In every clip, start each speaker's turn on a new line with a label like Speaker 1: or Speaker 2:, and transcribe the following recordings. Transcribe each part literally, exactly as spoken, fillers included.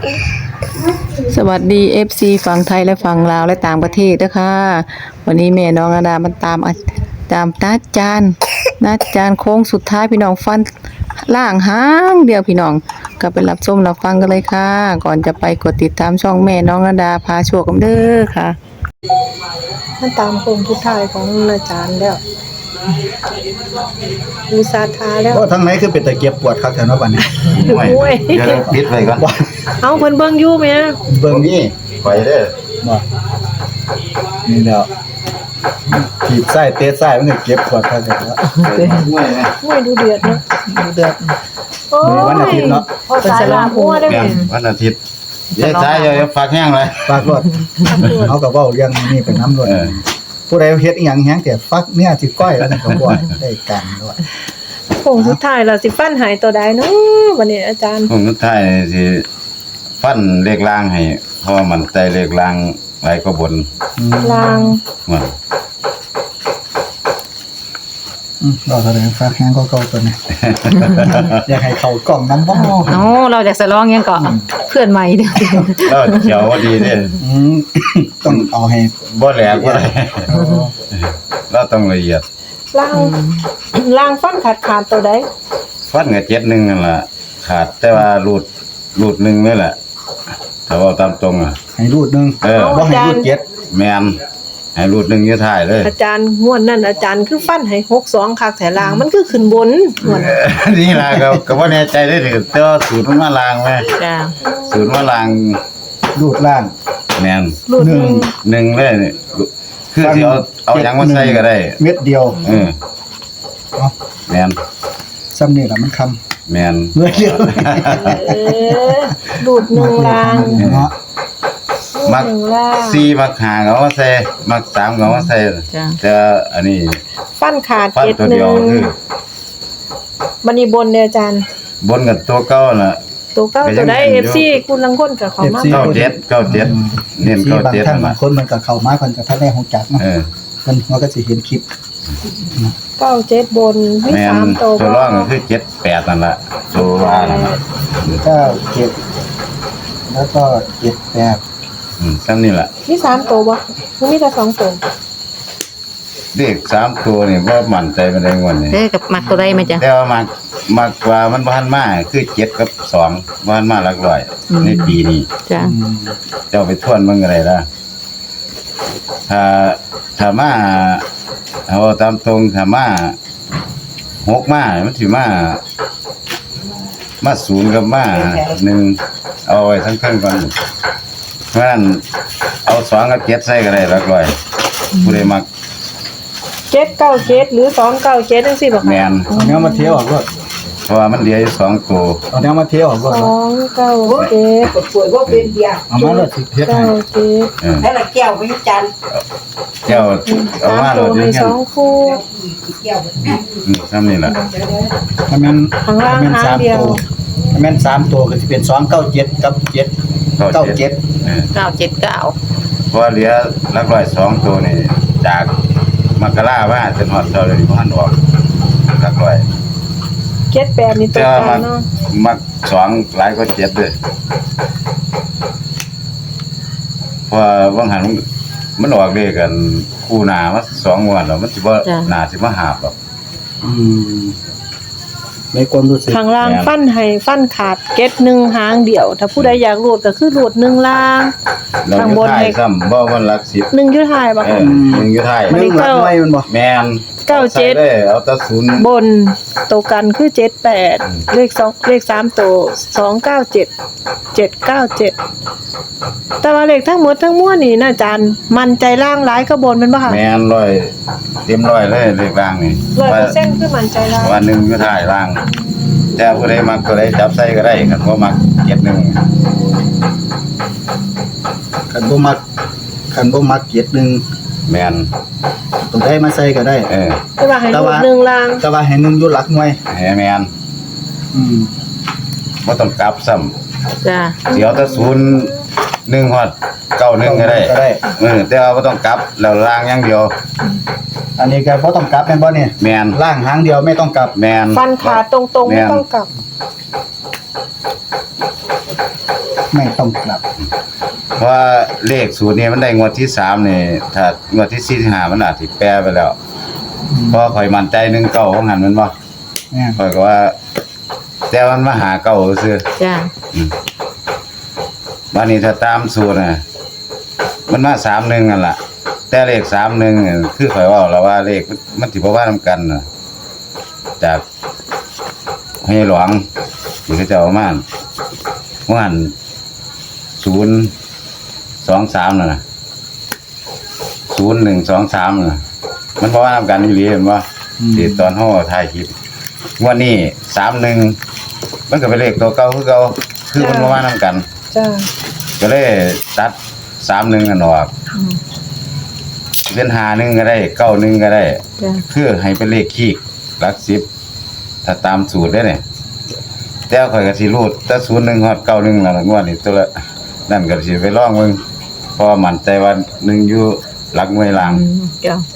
Speaker 1: สวัสดี เอฟ ซี ฝั่งไทยและฝั่งลาวและต่างประเทศด้วยค่ะวันนี้แม่น้องอดามันตามตามนัดจานนัดจานโค้งสุดท้ายพี่น้องฟันล่างหางเดียวพี่น้องก็ไปรับชมรับฟังกันเลยค่ะก่อนจะไปกดติดตามช่องแม่น้องอดาพาโชคกันเด้อค่ะมันตามโค้งสุดท้ายของอาจารย์แล้วมีสาธาแล้ว
Speaker 2: โอ้ทั้งไหนคือเป็นตะเกียบปวดครับแถวนั้นบัดนี้
Speaker 1: โอ้ย
Speaker 3: เดี๋ยวปิดไว้ก่อน
Speaker 1: เอาเพิ่นเบิ่งอยู่แม่
Speaker 2: เบิ่งนี่
Speaker 3: ไปเด้อ
Speaker 2: บ่นี่แล้วขีดไส้เตะไส้มันก็เก็บปวดครับแถวนั้น
Speaker 3: ห้วยนะ
Speaker 1: โอ้ยดูเดือดเนาะดูเดือด
Speaker 2: มื้อวันอาทิตย์เนาะ
Speaker 1: เพิ่นสลามหัวได้
Speaker 3: แม่
Speaker 1: แม่
Speaker 3: นวันอาทิตย์เดี๋ยวซ้ายอย่าฝากแห้งเลย
Speaker 2: ฝากรถเขาก็เว้าเรื่องนี้เป็นน้ำรถ
Speaker 3: เออ
Speaker 2: ผู้ใดเฮ็ดอีหยังแฮงแต่ฟักเนี่ยสิก้อยแล้วนั่นก็บ่ได้กันด้วย
Speaker 1: โค้งสุดท้ายล่ะสิฟันหายตัวใดเนาะวันนี้อาจารย์
Speaker 3: ผมสุดท้ายสิฟันเลขล่างให้เพราะว่ามันใจเลขล่างหลายกว่าบน
Speaker 2: อืม
Speaker 1: ลาง
Speaker 3: มัน
Speaker 2: อืมเราแสดงฟักแฮงก็เก่าตัวนี้ อยากให้เข้ากล่องน้ำบ่
Speaker 4: โอ้เราอยากสลองยังก่อนเพื่อนใหม่เด้อ
Speaker 3: แล้วเขียวว่าดีเด้อ
Speaker 2: อืม ต้องเอาให้
Speaker 3: บ่แหลกบ่ได้
Speaker 2: เอา
Speaker 3: เราต้องละเอียด
Speaker 1: ลางลางฟันขาดขาดตัวใด
Speaker 3: ฟันก็เจ็ดหนึงนั่นล่ะขาดแต่ว่ารูดรูดหนึงนี่แหละถ้าว่าตามตรงอ่ะ
Speaker 2: ให้รูดหนึง
Speaker 3: เออ
Speaker 2: บ่ให้รูดเจ็ด
Speaker 3: แม่นให้รูดหนึงอยู่ท้ายเลย
Speaker 1: อาจารย์งวดนั้นอาจารย์คือฟันให้หกสองคักแต่ลางมันคือขึ้นบนงวด
Speaker 3: เออนี่ล่ะก็ก็บ่แน่ใจได้ถึงแต่ว่าสูตรมันมาลางแม่
Speaker 4: จ้า
Speaker 3: สูตรมาลาง
Speaker 2: รูดล่าง
Speaker 3: แม่น
Speaker 1: รูดหนึ่ง
Speaker 3: หนึ่งเลยนี่คือสิเอาเอาหยังมาใส่ก็ได้
Speaker 2: เม็ดเดียว
Speaker 3: เออ
Speaker 2: เนาะ
Speaker 3: แม่น
Speaker 2: ซ้ำนี่ล่ะมันคำ
Speaker 3: แม่น
Speaker 2: เม็ดเดียว
Speaker 1: เออรูดหนึ่งลาง
Speaker 2: เนาะ
Speaker 3: มัก
Speaker 1: หนึ่งลาง
Speaker 3: สี่มักห้าก็เอามาใส่มักสามก็เอามาใส่
Speaker 4: จ้า
Speaker 3: แต่อันนี้
Speaker 1: ฟันขาด
Speaker 3: ฟัน
Speaker 1: เจ็ด
Speaker 3: ตัว
Speaker 1: ห
Speaker 3: เดี
Speaker 1: นึ่
Speaker 3: ยว
Speaker 1: ง
Speaker 3: คือ
Speaker 1: บันนี้บนเนี่ยอาจารย์
Speaker 3: บนกับตัวเก่าน่ะ
Speaker 1: ตัวเก้า
Speaker 3: ก็ยั
Speaker 1: ตัว
Speaker 3: ง
Speaker 1: ได้
Speaker 3: เห็
Speaker 1: เอน
Speaker 3: อยู่
Speaker 1: ฟซีคุณลังคนกับเขามา
Speaker 3: เก้าเจ็ดเก้าเจ็ดเน้น
Speaker 2: ที่
Speaker 3: เก้า
Speaker 2: บาง
Speaker 3: เจ็ด
Speaker 2: ท่าน
Speaker 3: นั่น
Speaker 2: บา
Speaker 3: ล่ะ
Speaker 2: งคนมันก็เข้ามาเพิ่นก็ทันได้ฮู้จักเนาะ
Speaker 3: เออ
Speaker 2: เพิ่นมันก็สิเห็นคลิป
Speaker 1: เก้าเจ็ดบนมี
Speaker 3: แม่น
Speaker 1: สามตัว
Speaker 3: ตัวรองก็คือเจ็ดแปดนั่นล่ะตัวว่านั่นล่ะ
Speaker 2: เก้าเจ็ดแล้วก็เจ็ดแปด
Speaker 3: อืมซ้ำนี่ล่ะ
Speaker 1: มีสามตัวบ่มันมีแต่สองตัว
Speaker 3: เลขสามตัวนี่บ่มั่นใจปานใดงวดนี้
Speaker 4: เด้อกับมักตัวใดไหมจ้ะ
Speaker 3: แต่ว่ามักมักกว่ามันบ่ทันมาคือเจ็ดกับสองบ่ทันมาหลักร้อย
Speaker 4: อืม
Speaker 3: ในปีนี้
Speaker 4: จ้า
Speaker 2: อืม
Speaker 3: เจ้าไปทวนมันก็ได้ล่ะถ้าถ้ามาเอาตามตรงถ้ามาหกมามันสิมามาศูนย์กับมาหนึ่งเอาไว้ทั้งเครื่องก่อนเพราะฉะนั้นเอาสองกับเจ็ดใส่ก็ได้หลักร้อยผู้ใดมัก
Speaker 1: เจ็ดเก้าเจ็ดหรือสองเก้าเจ็ดจังซี่บ่
Speaker 3: แม
Speaker 1: คะ
Speaker 3: น
Speaker 2: เอาแนวมาเที่ยวออกก็
Speaker 3: เพราะว่ามันเหลืออยู่สองตัว
Speaker 2: เอาแนวมาเที่ยวออกก็
Speaker 1: สองเก้าเจ็ด
Speaker 5: ป่วยว่าเป็นเบียร์
Speaker 2: เอามาแล้วสิเฮ็ด
Speaker 1: เก้า
Speaker 2: ให้
Speaker 1: เจ็ด
Speaker 3: เออ
Speaker 5: แล้วละแก้วไม่จัน
Speaker 3: เจ้าเอา
Speaker 1: สาม
Speaker 3: มา
Speaker 1: ตั
Speaker 3: แล้ว ว
Speaker 1: ให้
Speaker 3: เดี๋ยว
Speaker 1: สองคู่
Speaker 5: แก้ว
Speaker 3: อืมซ้ำนี่ล่ะ
Speaker 2: ถ้าแม่น
Speaker 1: ข้างล่าง
Speaker 2: ถ้าแม่น
Speaker 1: หาง
Speaker 2: สาม
Speaker 1: เดียว
Speaker 2: ตัวถ้าแม่นสามตัวก็สิเป็นสองเก้าเจ็ดกับเจ็ดเก้าเจ็ด
Speaker 3: เออ
Speaker 4: เก้าเจ็ดเก้า
Speaker 3: เพราะว่าเหลือหลักร้อยสองตัวนี่จากมกราว่าจนฮอดเท่าเลยบ่ทันออกหลักร้อย
Speaker 1: เจ็ดแปดนี่ตัว
Speaker 3: แต่
Speaker 1: ก
Speaker 3: ว่า
Speaker 1: ลา
Speaker 3: มั
Speaker 1: ง
Speaker 3: ก
Speaker 1: เนาะ
Speaker 3: มักสองหลายกว่าเจ็ดเลยเพราะว่าว่างหันมันออกเลขกันคู่หน้ามาสองงวดแล้วมันสิบ่หน้าสิมาหาบหรอก
Speaker 2: อืมในความรู้สึก
Speaker 1: ข้างล่าง
Speaker 3: แม่น
Speaker 1: ฟันให้ฟันขาดเจ็ดหนึ่งหางเดียว ถ้าผู้ใดอยากรูดก็คือรูดหนึ่งล่าง
Speaker 3: เรา
Speaker 1: ข้าง
Speaker 3: อบ ยู่
Speaker 1: น
Speaker 3: ท้าย
Speaker 1: ให้
Speaker 3: ซ้ำบ่มันหลักสิบ
Speaker 1: หนึ่งอยุทายบ่
Speaker 3: เอ
Speaker 1: คะ
Speaker 3: อหนึ่งอยู่ท้าย
Speaker 2: หนึ่งหลักไว้มันบ่
Speaker 3: แม่น
Speaker 1: เก้าเจ็ด
Speaker 3: ใส่เลยเอาแต่ศูนย์
Speaker 1: บนตัวกันคือเจ็ดแปด
Speaker 3: อืม
Speaker 1: เลขสองเลขสามตัวสองเก้าเจ็ดเจ็ดเก้าเจ็ดแต่ว่าเลขทั้งหมดทั้งมวลนี่นะอาจารย์มันใจล่างร้ายก็บนเป็นป่ะคะ
Speaker 3: แม่นร้อยเต็มร้อยเลยเลขล่างนี่
Speaker 1: ร้อย
Speaker 3: ว่า
Speaker 1: เปอร์เซ็นต์คือมันใจร้าย
Speaker 3: วันหนึ่งอยู่ท้ายล่าง แต่ผู้ใดมักผู้ใดจับใส่ก็ได้คันบ่มักเจ็ดหนึ่ง
Speaker 2: คันบ่มักคันบ่มักเจ็ดหนึ่ง
Speaker 3: แม่น
Speaker 2: ตัวได้มาใส่ก็ได้
Speaker 3: เออ
Speaker 1: แต่ว่าให้
Speaker 2: แต่
Speaker 1: รูด
Speaker 2: ว่า
Speaker 1: หนึ่งล่าง
Speaker 2: แต่ว่าให้หนึ่งอยู่หลักหน่วย
Speaker 3: ให้แม่น
Speaker 2: อืม
Speaker 3: บ่ต้องกลับซ้ำ
Speaker 4: จ้า
Speaker 3: สิเอาแต่ศูนย์หนึ่งฮอดเก้าหนึ่งก็ได้
Speaker 2: ก็ได้
Speaker 3: เออแต่ว่าบ่ต้องกลับแล้วล่างอย่างเดียว
Speaker 2: อันนี้ก็บ่ต้องกลับแม่นบ่เนี่ย
Speaker 3: แม่น
Speaker 2: ล่างหางเดียวไม่ต้องกลับ
Speaker 3: แม่น
Speaker 1: ฟันขาดตรงๆไม่
Speaker 3: แม่น
Speaker 1: ต้องกลับ
Speaker 2: ไม่ต้องกลับ
Speaker 3: เพราะว่าเลขสูตรนี้มันได้งวดที่สามนี่ถ้างวดที่สี่ที่ห้ามันอาจสิแปรไปแล้วเพราะข่อยมั่นใจหนึ่งเก้าของหันแมันบ่
Speaker 2: เนี่ย
Speaker 3: ข่อยก็ว่า แต่มันมาหาเก้าซื่อ
Speaker 4: จ้า
Speaker 3: บัดนี้ถ้าตามสูตรน่ะมันมาสามหนึ่งนั่นล่ะแต่เลขสามหนึ่งนี่คือข่อยเว้าแล้วว่าเลขมันมันสิบ่ว่านํกันน่ะจากให้หลวงที่เขาเจ้าเอามาว่าหันศูนย์สองสามน่ะนะศูนย์หนึ่งสองสามน่ะมันบ่ว่านํกันอีหลีเห็นบ่ที่ตอนเฮาถ่ายคลิปงวดนี้สามหนึ่งมันก็เป็นเลขตัวเก่าคือเก่าคือมันบ่ว่านํกัน
Speaker 6: จ้า
Speaker 3: ก็เลยตัดสามหนึ่งกันออกเป็นหาหนึ่งก็ได้เก้าหนึ่งก็ได้
Speaker 4: จ้า
Speaker 3: คือให้เป็นเลขคีกหลักสิบถ้าตามสูตรได้เนี่ยแต่ข่อยก็สิรูดแต่ศูนย์หนึ่งฮอดเก้าหนึ่งแล้วล่ะงวดนี้ตัวละนั่นก็สิไปลองเบิ่งเพราะว่ามั่นใจว่าหนึ่งอยู่หลักหน่วยล่าง
Speaker 4: อืมจ้า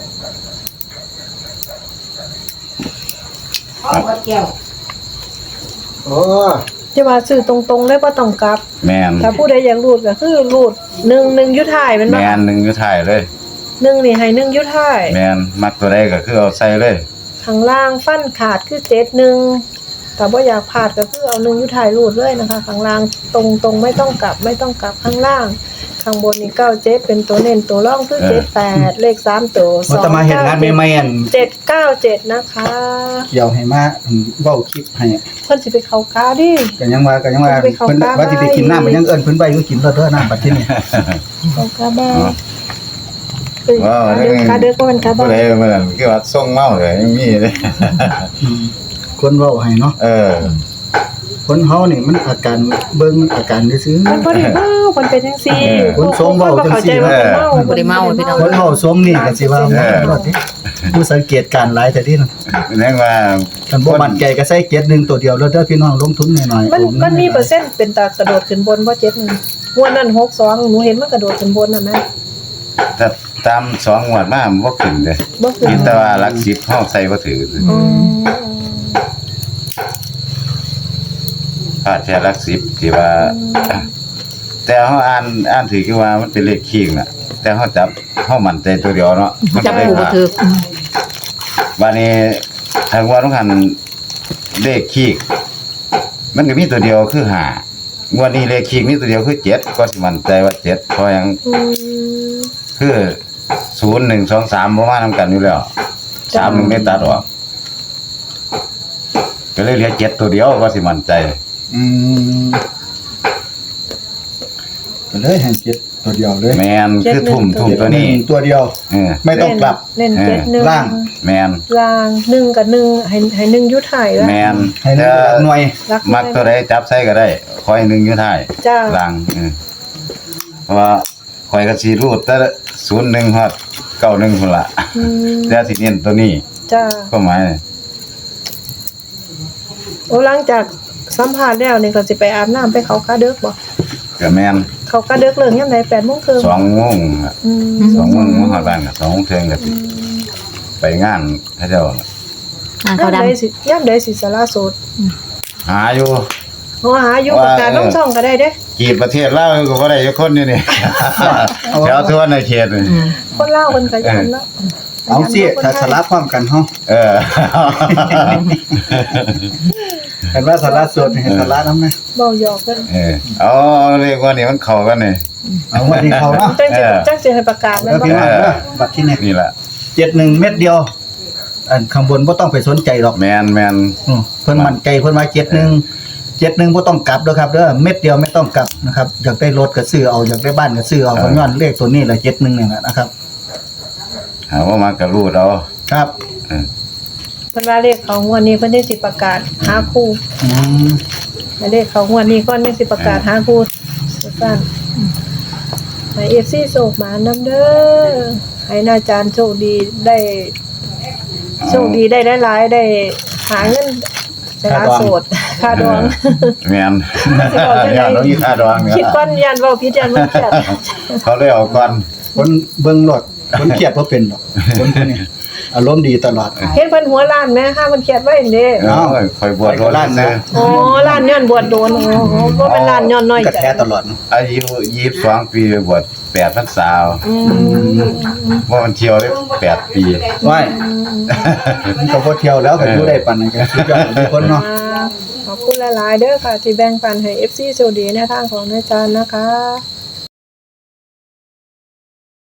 Speaker 5: เอาว่าแก้ว
Speaker 2: โอ้
Speaker 6: จะว่าซื้อตรงๆเลยบ่ต้องกลับ
Speaker 3: แม่น
Speaker 6: ถ้าผู้ใดอยากรูดก็คือรูดหนึ่งหนึ่งยุทธายแมันบ่
Speaker 3: แม่นหนึ่งอยู่ท้ายเลย
Speaker 6: หนึ่งนี่ให้หนึ่งยุทธาย
Speaker 3: แม่นมักตัวใดก็คือเอาใส่เลย
Speaker 6: ข้างล่างฟันขาดคือเจ็ดหนึ่งแต่ว่าอยากพลาดก็คือเอาหนึ่งยุทธายรูดเลยนะคะ ข้างล่างตรงตรงๆไม่ต้องกลับไม่ต้องกลับข้างล่าง ข้างบนนี่เก้าเจ็ดเป็นตัวเน้นตัวร่องคือเจ็ดแปดเลขสามตัวส
Speaker 2: ว่า
Speaker 6: อง
Speaker 2: จะมาเห็นงานใหม่ๆอัน
Speaker 6: เจ็ดเก้าเจ็ดนะคะ
Speaker 2: เกี่ยวให้มาอันเว้าคลิปให้
Speaker 6: เพิ่นสิไปเข้ากาดิ
Speaker 2: ก็ยังว่าก็ยังว่า
Speaker 6: ไปเข้า
Speaker 2: เพิ่น
Speaker 6: กา
Speaker 2: ว่าสิไปกินน้ำมันยังเอิ้นเพิ่นไปอยู่กินแล้วเด้อน้ำบัดที่นี่
Speaker 6: เข้ากาบ้า
Speaker 3: ว้าว
Speaker 6: เดือกาเดือกก็เป็นกา
Speaker 3: ผู้
Speaker 6: บ้า
Speaker 3: ใดมันนั่นคือว่าส่งเมาเลยยังมีเลย
Speaker 2: อืมคนเว้าให้เนาะ
Speaker 3: เออ
Speaker 2: คนเฮานี่มันอาการเบิ่งอาการซื่อ
Speaker 6: มันบ่ได้เมามันเป็นจังซี่
Speaker 2: คนทรงเว้าจังซี่
Speaker 6: คนเข้าใจว่าเมา
Speaker 4: บ่ได้เมาพี่น้อง
Speaker 2: ๆคนเฮาสมนี่ก็สิว่าแม่นรอดติผู้สังเกตการณ์หลายแต่ที่นั่น
Speaker 3: เรียกว่า
Speaker 2: คันบ่มั่นใจก็ใส่เกียรติหนึ่งตัวเดียวแล้วเด้อพี่น้องลงทุนหน่อยๆ
Speaker 6: มัน
Speaker 2: โอ้
Speaker 6: มันมีเปอร์เซ็นต์เป็นตากระโดดขึ้นบนบ่เจ็ดหนึ่งงวดนั้นหกสองหนูเห็นมันกระโดดขึ้นบนน่ะนะ
Speaker 3: ถ้าตามสองงวดมามันบ่ขึ้นเด้
Speaker 6: บ่ขึ้น
Speaker 3: คิดแต่ว่าหลักสิบเฮาใส่บ่ถือ
Speaker 6: อืม
Speaker 3: ถ้าแค่หลักสิบที่ว่า แต่เฮาอ่านอ่านถือคือว่ามันเป็นเลขคีกน่ะ แต่เฮาจับเฮามั่นใจตัวเดียวเนาะมัน
Speaker 4: จับ
Speaker 3: ก็เลย
Speaker 4: ผูกบ่
Speaker 3: ว่า
Speaker 4: ถือ
Speaker 3: วันนี้ทางว่าต้องหันเลขคีก มันก็มีตัวเดียวคือห้างวดนี้เลขคีกมีตัวเดียวคือเจ็ดก็สิมั่นใจว่าเจ็ดเพราะหยัง
Speaker 6: อืม
Speaker 3: คือศูนย์หนึ่งสองสามประมาณนำกันอยู่แล้วสามหนึ่งไม่ตัดออกก็เลยเหลือเจ็ดตัวเดียวก็สิมั่นใจ
Speaker 2: อืมก็เลยให้เกียรติตัวเดียวเลย
Speaker 3: แมนคือทุ่มทุ่มตัวนี้
Speaker 2: ตัวเดียว
Speaker 3: เออ
Speaker 2: ไม่ต้องกลับ
Speaker 6: เล่นเจ็ดหนึ่ง
Speaker 2: ล่าง
Speaker 3: แมน
Speaker 6: ล่างหนึ่งกับหนึ่งให้ให้หนึ่งยุทธายแล้ว
Speaker 3: แมน
Speaker 2: ให้นึกหลักหน่วย
Speaker 6: รัก
Speaker 3: มักตัวใดจับใส่ก็ได้คอยหนึ่งอยู่ท้าย
Speaker 6: จ้า
Speaker 3: ล่างเออเพราะว่าคอยก็สิรูดแต่ศูนย์หนึ่งฮอดเก้าหนึ่งพุ่นละ
Speaker 6: อืม
Speaker 3: แต่สิเน้นตัวนี้
Speaker 6: จ้า
Speaker 3: ก็หมาย
Speaker 6: โอ้หลังจากสัมภาษณ์แล้วนี่ก็สิไปอาบน้ำไปเขากาเดึกบ่
Speaker 3: ก็แมน
Speaker 6: เขากาเดึกเลิกยามใด แปดโมงครึ่ง
Speaker 3: สองโมงอะ
Speaker 6: อืม
Speaker 3: สองโมงมาฮอดบ้านก็สองโมงเที่ยงก็สิไปงานเขาเจ้า
Speaker 4: อ่า
Speaker 6: ย่า
Speaker 4: เขา
Speaker 6: ม
Speaker 4: ดำ
Speaker 6: ใดสิย่ามใดสิสาระโสด
Speaker 3: หาอยู่
Speaker 6: โอ้หาอยู่ประกาศลงช่องก็ได้เด้
Speaker 3: กีบประเทศลาวก็บ่ได้จักคนอยู่นี่ แถวทั่วในเขตนี่
Speaker 4: อืม
Speaker 6: คนเล่าวเพิ่นก็ยันเนาะ
Speaker 2: เอาสิถ้าสลับพร้อมกันเฮา
Speaker 3: เออ
Speaker 2: เห็นว่าสาระสดให้สาระนำนะ
Speaker 6: เว้าหยอกเพิ่น
Speaker 3: เออเอาเรียกว่านี่มันเข้ากันนี่
Speaker 2: เอาวันนี้เขาเนาะ
Speaker 6: จังสิ
Speaker 3: เออ
Speaker 6: จังสิให้ประกาศแม่
Speaker 2: แล้ว
Speaker 6: นบ่
Speaker 2: พี่น้องเด้อบัดที่นี่
Speaker 3: นี่แหละ
Speaker 2: เจ็ดหนึ่งเม็ดเดียว อันข้างบนบ่ต้องไปสนใจหรอก
Speaker 3: แมนแมน
Speaker 2: อือเพิ่นมั่นใจเพิ่นว่าเจ็ดหนึ่งเจ็ดหนึ่งบ่ต้องกลับเด้อครับเด้อเม็ดเดียวไม่ต้องกลับนะครับอยากได้รถก็ซื้อเอาอยากได้บ้านก็ซื้อเอาเพราะย้อนเลขตัวนี้แหละเจ็ดหนึ่งนี่แหละนะครับ
Speaker 3: หาว่ามันก็รูดเอา
Speaker 2: ครับ
Speaker 3: เออ
Speaker 6: เพิ่นว่าเลขเขางวดนี้เพิ่นได้สิประกาศหาคู่
Speaker 2: อืม
Speaker 6: ให้เลขเขางวดนี้ก่อนจังสิประกาศหาคู่สั้นๆให้ เอฟ ซี โชคมานำเด้อให้อาจารย์โชคดีได้โชคดีได้หลายๆได้หาเงินสละโสดค่าดอง
Speaker 3: แมนอย่าต้องมีค่าดองเนี่ย
Speaker 6: คิดก้อนยันเว้าผิดยันมันเครียด
Speaker 3: เขาเลยเอาก่อน
Speaker 2: คนเบิ่งรถคนเครียดบ่เป็นหรอกคนพวกนี้อารมณ์ดีตลอด
Speaker 6: เห็นเพิ่นหัวล้านแม่ค่ะเพิ่นเขียนไว้เด้
Speaker 3: เออคอยบวช
Speaker 2: คอยล้านนะ
Speaker 6: อ๋อล้านย้อนบวชโดนอ๋อบ่เป็นล้านย้อนน้อย
Speaker 2: กระ
Speaker 6: ใจ
Speaker 2: แท้ตลอด
Speaker 3: อายุยี่สิบสองปีบวชแปดพรรษา
Speaker 6: อืม
Speaker 3: ว่ามันเที่ยวได้แปดปี
Speaker 2: ว้ายมันก็บ่เที่ยวแล้วก็อยู่ได้ปานนั้นก็สุดยอดทุกคนเนาะ
Speaker 6: ขอบคุณหลายๆเด้อค่ะ ที่แบ่งปันให้ เอฟ ซี โชคดีในทางของอาจารย์นะคะ